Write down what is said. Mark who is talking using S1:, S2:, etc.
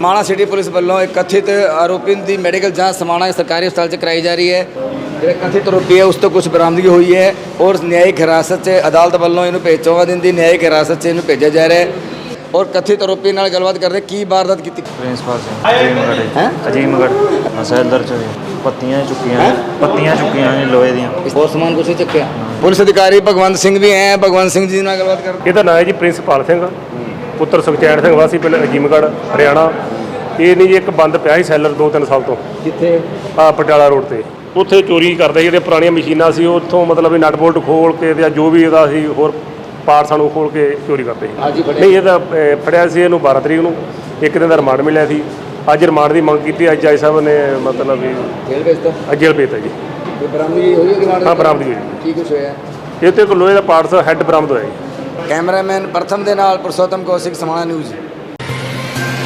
S1: Samana city police ਵੱਲੋਂ ਇੱਕ ਕਥਿਤ ਆਰੋਪੀ ਦੀ ਮੈਡੀਕਲ ਜਾਂਚ ਸਮਾਣਾ ਸਰਕਾਰੀ ਹਸਪਤਾਲ 'ਚ ਕਰਾਈ ਜਾ ਰਹੀ ਹੈ। ਜਿਹੜਾ ਕਥਿਤ ਆਰੋਪੀ ਹੈ ਉਸ ਤੋਂ ਕੁਝ ਬਰਾਮਦਗੀ ਹੋਈ ਹੈ ਔਰ ਨਿਆਇਕ ਹਿਰਾਸਤ 'ਚ ਅਦਾਲਤ ਵੱਲੋਂ ਇਹਨੂੰ 14 ਦਿਨ ਦੀ ਨਿਆਇਕ ਹਿਰਾਸਤ 'ਚ ਇਹਨੂੰ ਭੇਜਿਆ ਜਾ ਰਿਹਾ ਹੈ। ਔਰ ਕਥਿਤ ਆਰੋਪੀ ਨਾਲ ਗੱਲਬਾਤ ਕਰਦੇ ਕੀ ਵਾਰਦਾਤ ਕੀਤੀ।
S2: ਪ੍ਰਿੰਸੀਪਲ ਸਿੰਘ ਅਜੀਮਗੜ੍ਹ ਸੈਲਰ ਚ ਪੱਤੀਆਂ ਚੁੱਕੀਆਂ ਨੇ ਲੋਹੇ ਦੀਆਂ।
S1: ਹੋਰ ਸਮਾਨ ਕੁਛ ਚੱਕਿਆ। ਪੁਲਿਸ ਅਧਿਕਾਰੀ ਭਗਵੰਤ ਸਿੰਘ ਵੀ ਹੈ। ਭਗਵੰਤ ਸਿੰਘ ਜੀ ਨਾਲ ਗੱਲਬਾਤ ਕਰਦੇ।
S3: ਇਹਦਾ ਨਾਂ ਹੈ ਜੀ ਪ੍ਰਿੰਸੀਪਲ ਸਿੰਘ ਪੁੱਤਰ ਸੁਖਚੈਨ ਸਿੰਘ ਵਾਸੀ ਪਿੰਡ ਅਜੀਮਗੜ੍ਹ ਹਰਿਆਣਾ। ਇਹ ਨਹੀਂ ਜੀ ਇੱਕ ਬੰਦ ਪਿਆ ਸੀ ਸੈਲਰ 2-3 ਸਾਲ ਤੋਂ
S1: ਕਿੱਥੇ
S3: ਪਟਿਆਲਾ ਰੋਡ ਤੇ। ਉੱਥੇ ਚੋਰੀ ਕਰਦੇ ਜਿਹੜੀਆਂ ਪੁਰਾਣੀਆਂ ਮਸ਼ੀਨਾਂ ਸੀ ਉੱਥੋਂ ਮਤਲਬ ਨਟ ਬੋਲਟ ਖੋਲ ਕੇ ਜਾਂ ਜੋ ਵੀ ਇਹਦਾ ਸੀ ਹੋਰ ਪਾਰਟਸਾਂ ਨੂੰ ਖੋਲ ਕੇ ਚੋਰੀ ਕਰਦੇ ਸੀ। ਨਹੀਂ ਇਹ ਤਾਂ ਫੜਿਆ ਸੀ ਇਹਨੂੰ 12 ਤਰੀਕ ਨੂੰ, ਇੱਕ ਦਿਨ ਦਾ ਰਿਮਾਂਡ ਮਿਲਿਆ ਸੀ। ਅੱਜ ਰਿਮਾਂਡ ਦੀ ਮੰਗ ਕੀਤੀ। ਅੱਜ ਆਈ ਸਾਹਿਬ ਨੇ ਮਤਲਬ ਵੀ
S1: ਜੇਲ੍ਹ ਭੇਜਤਾ।
S3: ਜੇਲ੍ਹ ਭੇਜਤਾ ਜੀ।
S1: ਬਰਾਮਦਗੀ ਹੋਈ ਰਿਮਾਂਡ।
S3: ਹਾਂ ਬਰਾਮਦਗੀ ਹੋਈ।
S1: ਕੀ ਕੁਛ ਹੋਇਆ?
S3: ਇਹ ਤੇ ਇੱਕ ਲੋਹੇ ਦਾ ਪਾਰਟਸ ਹੈੱਡ ਬਰਾਮਦ ਹੋਇਆ ਜੀ।
S1: ਕੈਮਰਾਮੈਨ ਪ੍ਰਥਮ ਦੇ ਨਾਲ ਪੁਰਸ਼ੋਤਮ ਕੌਸ਼ਿਕ, ਸਮਾਣਾ ਨਿਊਜ਼।